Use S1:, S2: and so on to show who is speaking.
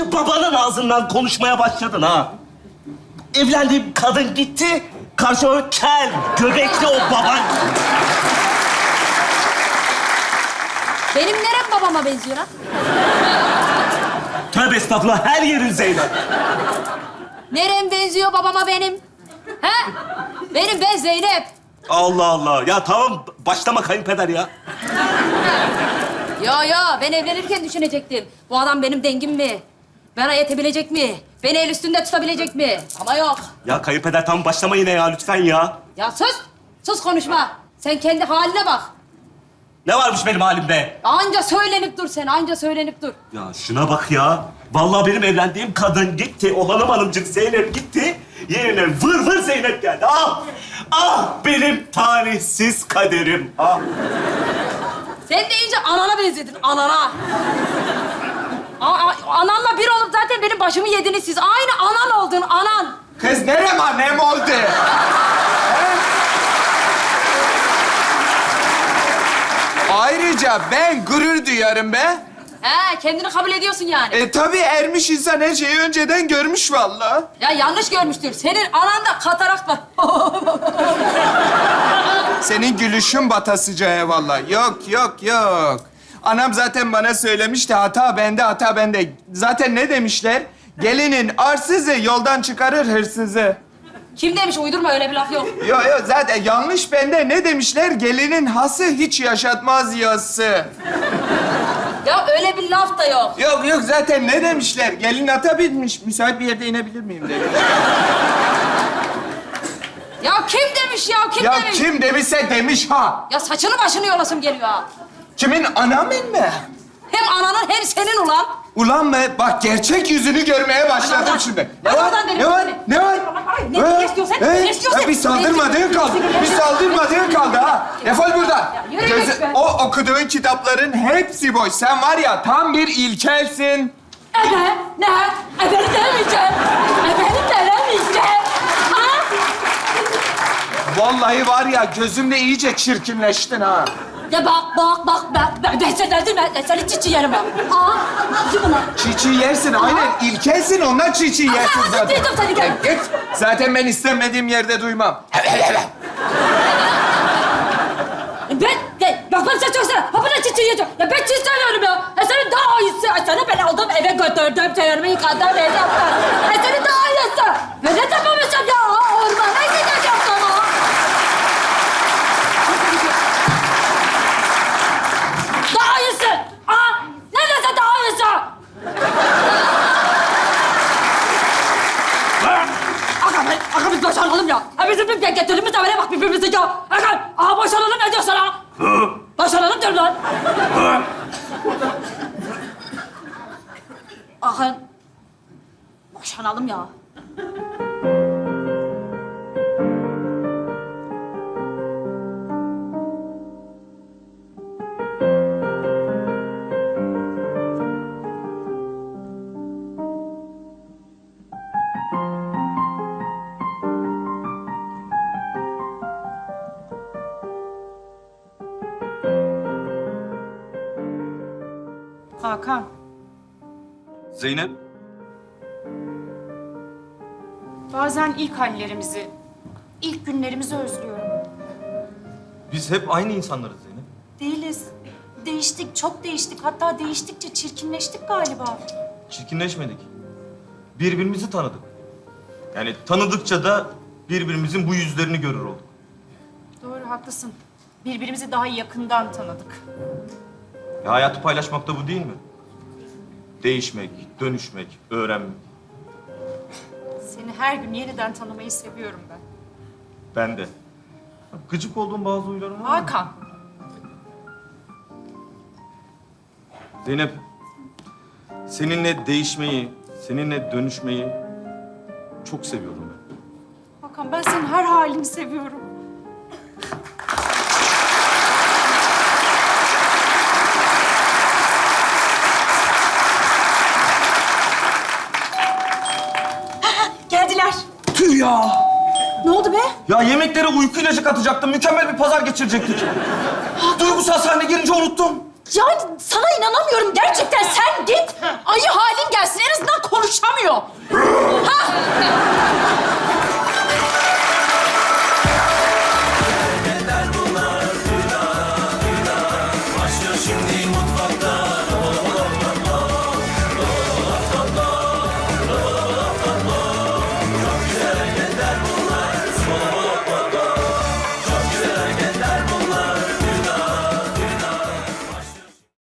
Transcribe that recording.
S1: İyice babanın ağzından konuşmaya başladın ha. Evlendiğim kadın gitti, karşıma kel, göbekli o baban.
S2: Benim nerem babama benziyor ha?
S1: Tövbe estağfurullah, her yerin Zeynep.
S2: Nerem benziyor babama benim? He? Ben Zeynep.
S1: Allah Allah. Ya tamam, başlama kayınpeder ya.
S2: Yo, ben evlenirken düşünecektim. Bu adam benim dengim mi? Bana yetebilecek mi? Beni el üstünde tutabilecek mi? Ama yok.
S1: Ya kayınpeder tamam, başlama yine ya lütfen ya.
S2: Ya sus! Sus konuşma. Sen kendi haline bak.
S1: Ne varmış benim halimde?
S2: Anca söylenip dur sen, anca söylenip dur.
S1: Ya şuna bak ya. Vallahi benim evlendiğim kadın gitti. O hanım hanımcık Zeynep gitti. Yerine vır vır Zeynep geldi. Ah! Ah benim talihsiz kaderim. Ah!
S2: Sen de iyice anana benzedin, anana. Ananla bir olup zaten benim başımı yediniz siz. Aynı anan oldun, anan.
S3: Kız nerem annem oldu? Ayrıca ben gurur duyarım be.
S2: He, kendini kabul ediyorsun yani.
S3: Tabii ermiş insan her şeyi önceden görmüş vallahi.
S2: Ya yanlış görmüştür. Senin ananda katarakt var.
S3: Senin gülüşün batasıca vallahi. Yok. Anam zaten bana söylemişti, hata bende, hata bende. Zaten ne demişler? Gelinin arsızı yoldan çıkarır hırsızı.
S2: Kim demiş? Uydurma, öyle bir laf yok.
S3: Yok zaten yanlış bende. Ne demişler? Gelinin hası hiç yaşatmaz yası.
S2: Ya öyle bir laf da yok.
S3: Yok zaten ne demişler? Gelin ata binmiş. Müsait bir yerde inebilir miyim demiş.
S2: Ya kim demiş ya? Kim
S3: Ya
S2: demiş?
S3: kim demişse demiş ha.
S2: Ya saçını başını yolasım geliyor ha.
S3: Kimin, anamın mı?
S2: Hem ananın hem senin ulan.
S3: Ulan mı? Bak gerçek yüzünü görmeye başladım
S2: Ulan,
S3: şimdi.
S2: ulan,
S3: Ne var?
S2: ulan benim
S3: Ne var?
S2: benim.
S3: Ne var?
S2: Ay, ne istiyorsan, ne istiyorsan.
S3: Ya bir saldırmadığın kaldı. Bir saldırmadığın kaldı ha. Defol buradan.
S2: yürü git be.
S3: O okuduğun kitapların hepsi boş. Sen var ya tam bir ilkelsin.
S2: Ne? Beni demeyeceğim. Beni demeyeceğim. Ha?
S3: Vallahi var ya gözümde iyice çirkinleştin ha.
S2: Ya bak. Ben seni çiçi yerim bak. Kim ulan?
S3: Çiğ yersin aynen. İlkelsin ondan çiğ yersin
S2: Aa,
S3: zaten.
S2: duydum seni, gel.
S3: Git. Zaten ben istemediğim yerde duymam.
S2: Bak ben sen çok seviyorum. Ha bana çiçeği yiyeceğim. Ya ben çiçeği seviyorum ya. Senin daha iyisi. Seni ben aldım eve götürdüm. Çayırımı yıkadım eve yaptım. Senin daha iyisi. Ben ne yapamayacağım ya? Ormana gideceğim sana. Daha iyisi. Ne dese daha iyisi. Aga biz boşanalım ya. Bizim bir getirdiğimiz evine bak birbirimize ya. Aga boşanalım ne diyorsun ha? Boşanalım diyorum lan. Aga boşanalım ya.
S4: Hakan,
S1: Zeynep.
S4: bazen ilk hallerimizi, ilk günlerimizi özlüyorum.
S5: Biz hep aynı insanlarız Zeynep.
S4: Değiliz. Değiştik, çok değiştik. Hatta değiştikçe çirkinleştik galiba.
S5: Çirkinleşmedik. Birbirimizi tanıdık. Yani tanıdıkça da birbirimizin bu yüzlerini görür olduk.
S4: Doğru, haklısın. Birbirimizi daha yakından tanıdık.
S5: Hayatı paylaşmak da bu değil mi? Değişmek, dönüşmek, öğrenmek.
S4: Seni her gün yeniden tanımayı seviyorum ben.
S5: Ben de. Gıcık olduğum bazı huylarım var.
S4: Hakan,
S5: Zeynep, seninle değişmeyi, seninle dönüşmeyi çok seviyorum ben.
S4: Hakan ben senin her halini seviyorum. Geldiler.
S5: Tüh ya!
S4: Ne oldu be?
S5: Ya yemeklere uyku ilacı katacaktım. Mükemmel bir pazar geçirecektik. Duygusal sahne girince unuttum.
S2: Ya sana inanamıyorum gerçekten. Sen git ayı halin gelsin.